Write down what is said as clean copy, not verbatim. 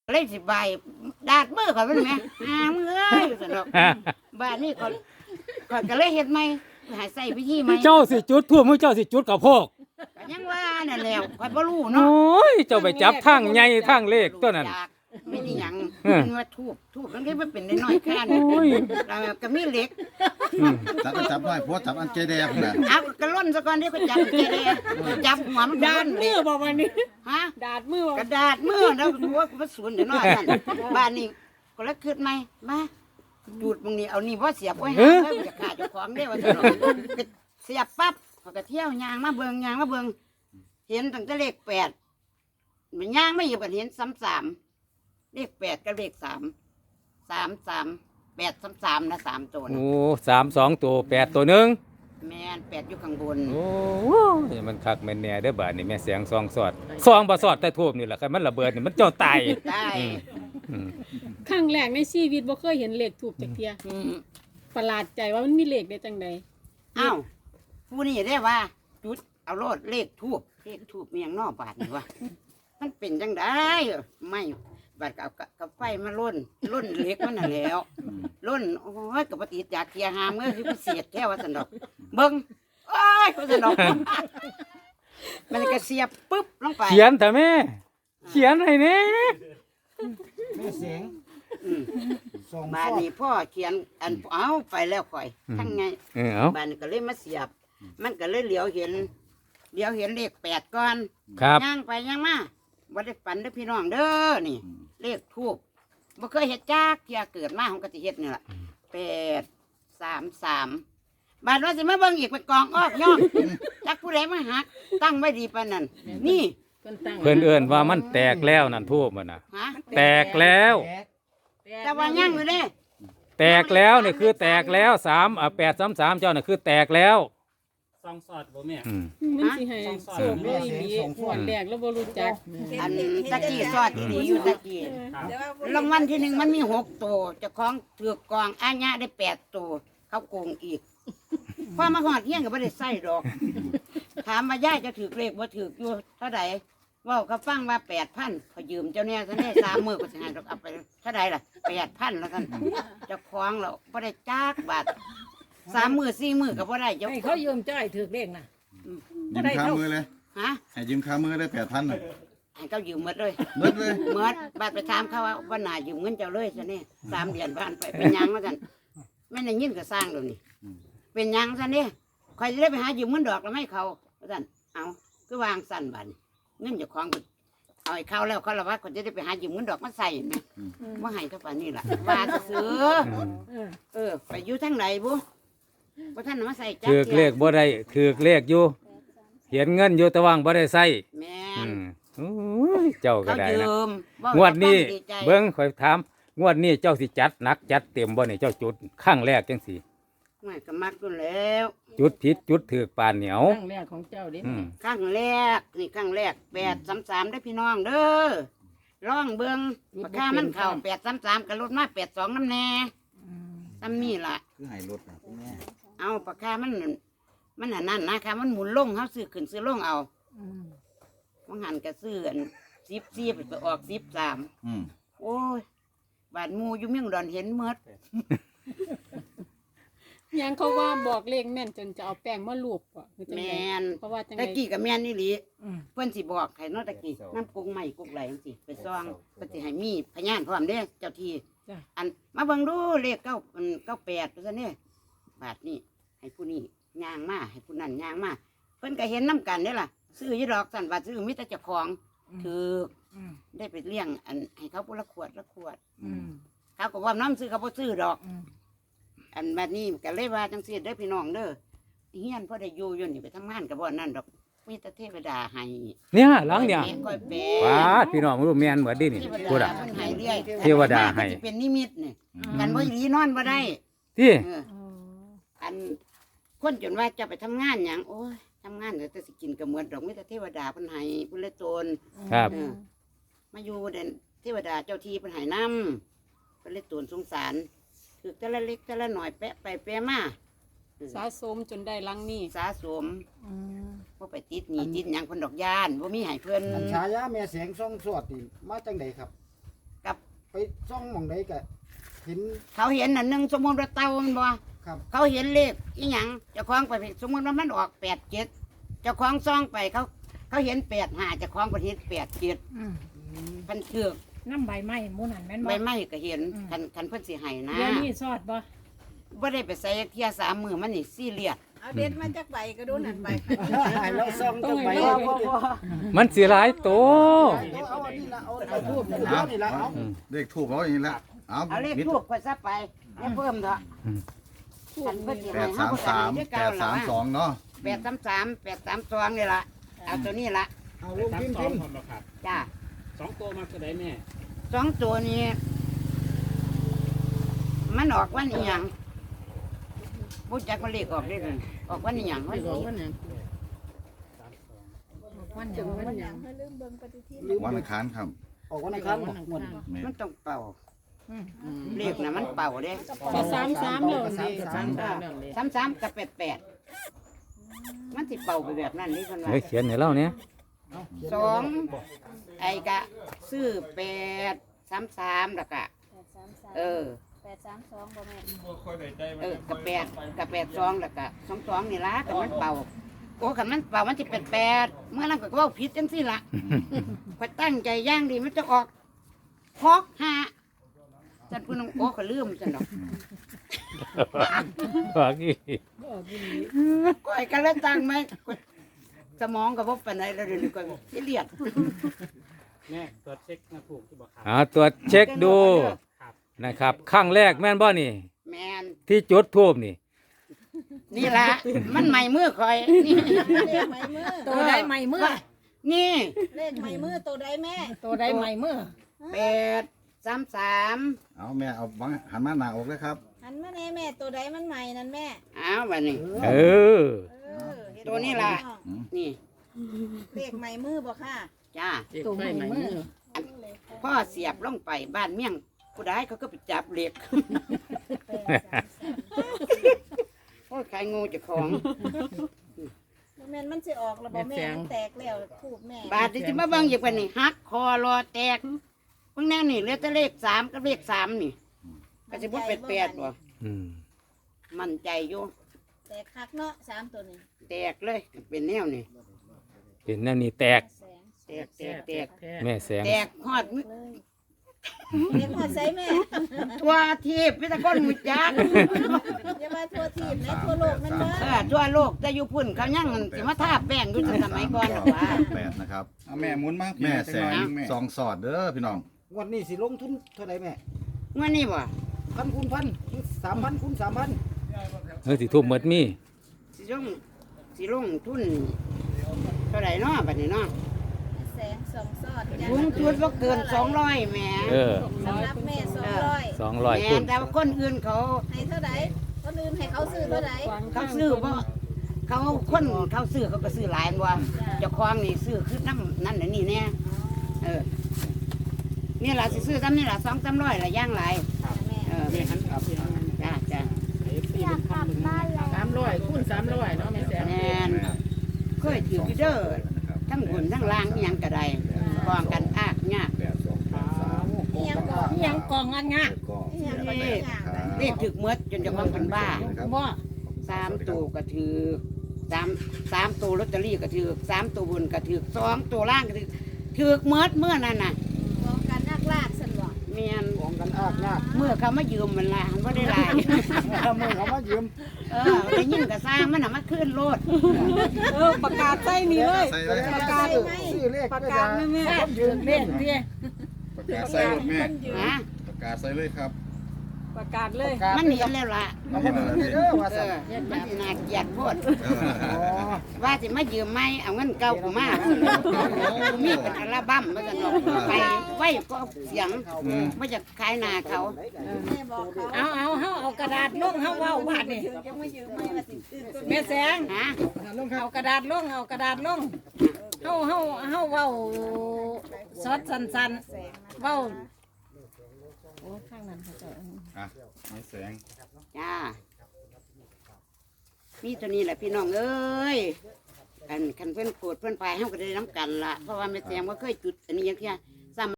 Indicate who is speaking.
Speaker 1: เลยสิใบดาดมือข่อยเป็นไหมมือเอ้ยสนุกบ้านนี้ข่อยก็เลยเฮ็ดใหม่หาใส่พิธีใหม่
Speaker 2: เจ้าสิจุดทั่วมือเจ้าสิจุดกับพวก
Speaker 1: ก็ยังว่านั่นแหละข่อยบ่รู้
Speaker 2: โอ
Speaker 1: เนาะ
Speaker 2: ้ยเจ้าไปจับทางใหญ่ทางเลขตัวนั้น
Speaker 1: จากไม่ได้หยังมันว่าทูบมันก็บ่เป็นน้อยๆแค่นี้
Speaker 2: โอ้ย
Speaker 1: แล้วก็มีเหล็ก
Speaker 3: จับไว้พวกจับอันเจแดงน่ะ
Speaker 1: เอากระล่นซะก่อนที่เขาจับเจเดจับหัวมัน
Speaker 4: ดาดมือบอกวันนี้
Speaker 1: ฮะ
Speaker 4: ดาดมือบอก
Speaker 1: กระดาษมือแล้วหัวกูมาสวนเดี๋ยวน้อยนั่นบ้านนี้ก็เลยคิดใหม่มาดูดมึงนี่เอานี่บ่เสียบไว้หาเพิ่นจะขาดเจ้าของได้ว่าซั่นเนาะก็เสียบปั๊บเขาก็เที่ยวยางมาเบิ่งเห็นตั้งแต่เลข8มันย่างไม่อยู่ก็เห็น3-3เลข8กับเลข3 8-3นะ3ตัวนะ
Speaker 2: โอ้3 2ตัว8ตัวหนึง
Speaker 1: แม่น8อยู่ข้างบน
Speaker 2: โอ้ยมันคักแม่นแน่เด้อบาดนี้แม่เสียงซองสอดซองบ่สอดแต่ทูบนี่แหละคันมันระเบิดนี่มันเจ้าตาย
Speaker 1: ได้
Speaker 2: อืม
Speaker 4: ครั้งแรกในชีวิตบ่เคยเห็นเลขถูกจากเทีย
Speaker 1: อืม
Speaker 4: ประหลาดใจว่ามันมีเลขได้จังใด
Speaker 1: อ้าวผู้นี่ได้ว่าจุดเอาโลดเลขทูบมีอย่างนอกบาทนี่วะมันเป็นจังได้ไม่บาดกับไฟมาล่นเล็กมันน่ะแหล้วล่นโอ้ยกับปฏิจจากเกียร์หามเมื่อคือพิเศษแค่ว่าสันดอกเบิ้งโอ้ยว่าสันดอกมันก็เสียบปุ๊บลงไป
Speaker 2: เขียนแต่แม่เขียนให้แน่
Speaker 3: แม่เสียง
Speaker 1: อืม
Speaker 3: ส่ง
Speaker 1: บ้านนี้พ่อเขียนอันเอาไปแล้วข่อยทั้งไง
Speaker 2: เอา
Speaker 1: บ้านนี้ก็เลยมาเสียบ มันก็เลยเหลียวเห็นเลข8ก่อน
Speaker 2: ครับ
Speaker 1: ย่างไปย่างมาบ่ได้ฝันเด้อพี่น้องเด้อนี่ เลขทูบบ่เคยเฮ็ดจักเที่ยเกิดมาของกติเฮ็ดนี่ล่ะ833บาดว่าสิมาเบิ่งอีกไปกองออกย่องจักผู้ใดมาหัก ตั้งไว้ดีปานนั้นนี่
Speaker 4: เพิ่นตั้ง
Speaker 2: เพิ่นเอิ้นว่ามันแตกแล้วนั่นทูบมันน่ะ
Speaker 1: ฮะ
Speaker 2: แตกแล้ว
Speaker 1: แต่ว่าย่างอยู่เด้
Speaker 2: แตกแล้วนี่คือแตกแล้ว833เจ้าน่ะคือแตกแล้ว
Speaker 5: ซองสอดบ่แม่
Speaker 2: อืม
Speaker 4: มันสิให้โชคด้วยดีหวดแรกแล้วบ่รู้จัก
Speaker 1: อันตะกี้ซอดดีอยู่ตะกี้รางวัลที่1มันมี6ตัวเจ้าของถือกองอาญะได้8ตัวเขาโกงอีกพอมาฮอดเฮียงก็บ่ได้ใส่ดอก ถามว่ายายจะถือเลขบ่ถืออยู่เท่าใดเว้าเขาฟังว่า8,000เขายืมเจ้าเนี่ยซะแน่3 มื้อก็สิให้ดอกเอาไปเท่าใดล่ะ8,000แล้วกันเจ้าของแล้วบ่ได้จักบาท3 มื้อ4 มื้อก็บ่ได้เจ้า
Speaker 6: ให้เขายืมจ้อยถือเลขน่ะ
Speaker 3: ยืมค้ามือเลย
Speaker 1: ฮะ
Speaker 3: ให้ยืมค้ามือได้8,000น่ะ
Speaker 1: ให้เขายืมหมดเลย
Speaker 3: เบิดเลย
Speaker 1: หมดบาทไปถามเขาว่าวันหน้ายืมเงินเจ้าเลยซะแน่3 เดือนผ่านไปเป็นหยังว่าซั่นแม่นได้ยินก็สร้างแล้วนี่เป็นหยังซะเนี่ยข่อยสิได้ไปหายืมเงินดอกแล้วให้เขาว่าซั่นเอาคือวางสั่นบัดนี้เงินเจ้าของเอาให้เขาแล้วเขาละว่าคนจะได้ไปหายืมเงินดอกมาใส่ไหมว่าให้เขาป่านนี้ล่ะว่าจะซื้อไปอยู่ทางไหนบุว่าท่านมาใส่จัก
Speaker 2: ถือเลขบ่ได้ถือเลขอยู่เขียนเงินอยู่แต่ว่างบ่ได้ใส่
Speaker 1: แม่
Speaker 2: อื
Speaker 1: น
Speaker 2: มโอ้ยเจ้าก็
Speaker 1: เขา
Speaker 2: ได้
Speaker 1: ยื
Speaker 2: นะ
Speaker 1: ม
Speaker 2: งวดนี้
Speaker 1: ดีใจ
Speaker 2: เบิ่งข่อยถามงวดนี้เจ้าสิจัดหนักจัดเต็มบ่นี่เจ้าจุดข้างแรกจังสิ
Speaker 1: ไม่ก็มักอยู่แล้ว
Speaker 2: จุดผิดจุดถือปานเหนียว
Speaker 6: ตั้งแรกของเจ้าเด้
Speaker 2: อืม
Speaker 1: ครั้งแรกนี่ครั้งแรก833ได้อพี่น้องเด้อร่องเบิ่งราคามันเข้า833กับรถมา82น้ำแน่ซ้ำนี่ล่ะ
Speaker 3: คือให้รถน่ะคุณแม่
Speaker 1: เอาปากกามันอันนั่นนะคะมันหมุนลงเขาซื้อขึ้นซื้อลงเอามันหันกระซื้ออัน14ไปออก13
Speaker 3: อืม
Speaker 1: โอ้ยบาดหมูอยู่เมืองดอนเห็นเมด
Speaker 4: ยังเขาว่าบอกเลขแม่นจนจะเอาแป้งมาลูบบ่คือจัง
Speaker 1: แม
Speaker 4: ได๋
Speaker 1: น
Speaker 4: เพราะว่าจัง
Speaker 1: ตะ
Speaker 4: ได๋
Speaker 1: กี้กับแมนนี่หลีเพิ่นสิบอกให้เนาะตะกี้น้ำกุ้งใหม่กุ้งไหลจังซี่ไปซองเพิ่นสิให้มีพยานพร้อมเด้เจ้าที่
Speaker 4: จ้ะ
Speaker 1: อันมาเบิ่งดูเลข98ว่าซั่นเด้บาทนี้ให้ผู้นี้ย่างมาให้ผู้นั้นย่างมาเพิ่นก็เห็นน้ำกันเด้ล่ะซื้ออยู่ดอกสั่นว่าซื้อมีแต่เจ้าของถือได้ไปเลี้ยงอันให้เขาผู้ละขวดเขาก็ว่าน้ำซื้อเขาบ่ซื้อดอก อันแบบนี้ก็เลยว่าจังซี่เด้อพี่น้องเด้อเฮียนพ่อได้อยู่อยู่นี่ไปทำงานกับบ่อนั่นดอกมีแต่เทวดาให้
Speaker 2: เนี่ยหลังเนี่ย
Speaker 1: ค่อยแปล
Speaker 2: ว้าดพี่น้องรู้แม่นเหมือนดินี่
Speaker 1: เทว
Speaker 2: พูด
Speaker 1: ดา
Speaker 2: อ่ะ
Speaker 1: เพิ่นให้เรื่อย
Speaker 2: เทวดาให้
Speaker 1: อันนี้เป็นนิมิตนี่กันบ่อีหลีนอนบ่ได้
Speaker 2: ที่
Speaker 1: เอออันคนจนว่าจะไปทำงานหยังโอ้ยทำงานแต่สิกินก็เหมือนดอกมีแต่เทวดาเพิ่นให้เพิ่นเลยตน
Speaker 2: ครับ
Speaker 1: เออมาอยู่เด่นเทวดาเจ้าที่เพิ่นให้นำเพิ่นเลยตนสงสารคือแต่ละเล็กแต่ละหน่อยแปะไปแปะมา
Speaker 4: สะสมจนได้หลังนี้
Speaker 1: สะสมบ่ไปติดหนี้ติดหยังเพิ่นดอกย่านบ่มีให้เพิ่น
Speaker 7: อันฉายาแม่เสียงทรงสวดนี่มาจังไดครับ
Speaker 1: ก
Speaker 7: ไปซ่องหม่องใดก็เห็น
Speaker 1: เขาเห็นอันหนึงสมมุติว่าเต่ามันบ่
Speaker 7: ครับ
Speaker 1: เขาเห็นเลขอีหยังเจ้าของไปสมมุติว่ามันออก87เจ้าของซองไปเขาเห็น85เจ้าของก็เห็น87เพิ่นถือก
Speaker 6: น้ำใบไม้หมูนั่นแม่น
Speaker 1: ใบ
Speaker 6: บ่
Speaker 1: ไม้ก็เห็นคันเพิ่นสิให้นะ
Speaker 6: เดี๋ยวนี้ซอดบ่
Speaker 1: บ่ได้ไปใส่เที่ย3มื้อมันนี่ซีเรียส
Speaker 8: เอาเด็ดมาจากใบก็ดูนั่นใบ
Speaker 7: ให้เราซ่องจังไป
Speaker 2: มันสิหลายโต
Speaker 7: เอาอันนี้ละเอาทูบนี่ละเอา
Speaker 3: เลขทูบเอาอย่างนี้ละเอา
Speaker 1: เอาเลข
Speaker 3: มิด
Speaker 1: ทูบค่อยซะไปอย่าเพิ่มเถอะคันเพิ่นสิให้เฮาก็ได้
Speaker 3: 833 832เนาะ
Speaker 1: 833 832นี่ล่ะเอาตัวนี้ล่ะ
Speaker 7: เอาลง
Speaker 5: สาม
Speaker 7: พิมพ์
Speaker 5: สอ
Speaker 7: พิ
Speaker 5: ง
Speaker 7: มพ์
Speaker 5: ผมหรอครับ
Speaker 1: จ้า
Speaker 5: 2ตัวมาตัวใดแม่
Speaker 1: 2ตัวนี้ มันออกวันอีหยังบ่จักว่าเลขออกได้เลยออกวันอีหยังวันนี้
Speaker 6: วันหยังวันหยัง
Speaker 8: ให้ลืมเบิ่งปฏิทิน
Speaker 3: วันอังคารครับ
Speaker 7: ออกวันอังคารบ่งวด
Speaker 3: แม่
Speaker 1: มันต้องเป่าเลขน่ะมันเป่าเด้
Speaker 4: ก็33แล้วนี่
Speaker 1: 33กับ88มันสิเป่าไปแบบนั้นนี่เพิ่นว่า
Speaker 2: เฮ้ยเขียนให้เราเนี่ย
Speaker 1: สองไอ้กะซื้อ833แล้วก็เออ
Speaker 8: 832บ่แม่
Speaker 1: กับ82แล้วก็22นี่ล่ะแต่มันเป่าโอ้คันมันเป่ามันสิ88เมื่อนั้นก็เว้าผิดจังซี่ล่ะข่อยตั้งใจอย่างดีมันจะออก65จันพูนโอ้ก็ลืมจันดอก
Speaker 2: ว่ากี่
Speaker 1: ก้อยกันแล้วตั้งไหมสมองก็บ่ปานใดแล้วเดี๋ยวนี้ก็สิเลียด
Speaker 5: แม่ตรวจเช็คมาถูกที่บอกครับ
Speaker 2: ตรวจเช็คดู
Speaker 5: ครับ
Speaker 2: นะครับครั้งแรกแม่นบ่นี่
Speaker 1: แม่น
Speaker 2: ที่จุดทูบนี่
Speaker 1: นี่ล่ะมันใหม่มือข่อยนี่
Speaker 8: เลขไม้มือ
Speaker 6: ตัวใดใหม่มือ
Speaker 1: นี่
Speaker 8: เลขไม้มือตัวใดแม่
Speaker 6: ตัวใดใหม่มือ
Speaker 1: 833
Speaker 3: เอาแม่เอาบังหันมาหน้าอกเลยครับ
Speaker 8: หันมาแน่แม่ตัวใดมันใหม่นั่นแม่
Speaker 1: อ้าวบัดนี้
Speaker 2: เออ
Speaker 8: เห็
Speaker 1: ตัวนี้ล่ะ นี่
Speaker 8: เลขไม้มือบ่ค่ะ
Speaker 1: จ้า
Speaker 6: ตัวใหม่มือ
Speaker 1: พ่อเสียบลงไปบ้านเมี่ยงผู้ใดเขาก็ไปจับเหล็ก โอ้ยใครงูเจะของ
Speaker 8: แม่นมันสิออกแล้วบ่แม่มันแตกแล้วทูบแม่
Speaker 1: บาดที่จะมาเบิ่งอย่างปานนี้หักคอรอแตกเบิ่งแน่นี่เหลือแต่เลข3กับเลข3นี่ก็สิบ่เป็น8บ่
Speaker 2: อืม
Speaker 1: มั่นใจอยู่
Speaker 8: แตกคักเนาะ3ตัวนี้
Speaker 1: แตกเลยเป็นแนวนี่
Speaker 2: เป็นแนวนี้แตก
Speaker 8: แสง
Speaker 1: แตก
Speaker 2: แม่แสง
Speaker 1: แตกฮอด
Speaker 8: เลยเรียกมาใส่แม่
Speaker 1: ทั่วทีบพิตะก้นหมุจัก
Speaker 8: อย่ามาทั่วทีมและทั่วโลกนั่นเด้อ
Speaker 1: ทั่วโลกแต่อยู่พุ่นเขายังสิมาทาแป้งอยู่แต่สมัยก่อนหรอกว่า
Speaker 3: 8นะครับ
Speaker 9: เอาแม่หมุนมา
Speaker 3: แม่แสง
Speaker 9: แม่
Speaker 3: ซองสอดเด้อพี่น้อง
Speaker 7: งวดนี้สิลงทุนเท่าไหร่แม่
Speaker 1: เมื่อนี้บ่
Speaker 7: พันคูณพัน3,000คูณ3,000
Speaker 2: เฮ้ยสิทุ่มหมดมี
Speaker 1: สิลงทุนเท่าไหร่เนาะบัดนี้เนาะ
Speaker 8: แสงส่องสอด
Speaker 1: ลุงจุดบ่เกิน200แหม
Speaker 2: เออ
Speaker 8: สำหรับแม่200
Speaker 2: 200
Speaker 1: แม่
Speaker 2: คุณ
Speaker 1: แต่ว่าคนอื่นเขา
Speaker 8: ให้เท่าใดคนอื่นให้เขาซื้อเท่าใด
Speaker 1: เขาซื้อบ่เขาคนเขาซื้อเขาก็ซื้อหลายบ่เจ้าของนี่ซื้อคือน้ำนั่นน่ะนี่แน่เออนี่ล่ะสิซื้อซ้ำนี่ล่ะ2-300ล่ะย่างหลาย
Speaker 8: แม่
Speaker 1: แม่ครับจ้าจ้า
Speaker 6: 300คูณ300เนาะแม่แสง
Speaker 1: แม่นเคยถืออยู่เด้อทั้งบนทั้งล่างอิหยังก็ได้กองกันอากยาก
Speaker 8: อีหยังก่อน
Speaker 6: อิหยังกองอันงะ
Speaker 8: อีหยังบ่ได้ยาก
Speaker 1: เรียกถึกเมดจนจะความเป็นบ้า
Speaker 6: บ่
Speaker 1: 3ตัวก็ถือ3ตัวลอตเตอรี่ก็ถือ3ตัวบนก็ถือ2ตัวล่างก็ถือเมดเมื่อนั้นน่ะ
Speaker 8: กองกันนักลากซั่นบ่
Speaker 1: แม่น
Speaker 7: ของกันอากยาก
Speaker 1: เมื่อเขามายืมมันละมันบ่ได้หลาย
Speaker 7: มือเขามายืม
Speaker 1: ได้ยินก็สร้างมันน่ะมาขึ้นโลด
Speaker 4: ประกาศใส่นี่เลย
Speaker 3: ใส่เลย
Speaker 7: ประกาศซื้อเลข
Speaker 4: ประกาศแม่
Speaker 7: คนยืม
Speaker 6: เล่นเตี้ย
Speaker 9: ประกาศใส่รถแม่
Speaker 1: ฮะ
Speaker 9: ประกาศใส่เลยครับ
Speaker 4: ประกาศเลย
Speaker 1: มันเห็นแล้วล่ะ
Speaker 7: เอามาคืนเด้อว่า
Speaker 1: เอ
Speaker 7: ซั่น
Speaker 1: อมันสิน่าเกลียดโพด
Speaker 7: อ๋อ
Speaker 1: ว่าสิมายืมไหมเอาเงินเก่ากูมากูมีเป็นอัลบั้มมาจะนอกไปไว้ก็เสียงไม่จะขายหนาเขา
Speaker 8: แม่บอกเขา
Speaker 6: เอาเฮาเอากระดาษลงเฮาเว้าบาดนี่
Speaker 8: จะมายืมไม่ว่าสิตื่นตัว
Speaker 6: แม่แสง
Speaker 1: ฮะ
Speaker 6: เอากระดาษลงเอากระดาษลงเฮาเว้าสดสั้นๆเว้าโอ้ข้างนั้นเขาจะ
Speaker 9: อ่ะไม้แสง
Speaker 1: จ้ามีตัวนี้แหละพี่น้องเอ้ยอันคันเพื่อนโกรธเพื่อนพายเฮาก็ได้น้ำกันละเพราะว่าแม่แตงว่าเคยจุดอันนี้ยังเที่ย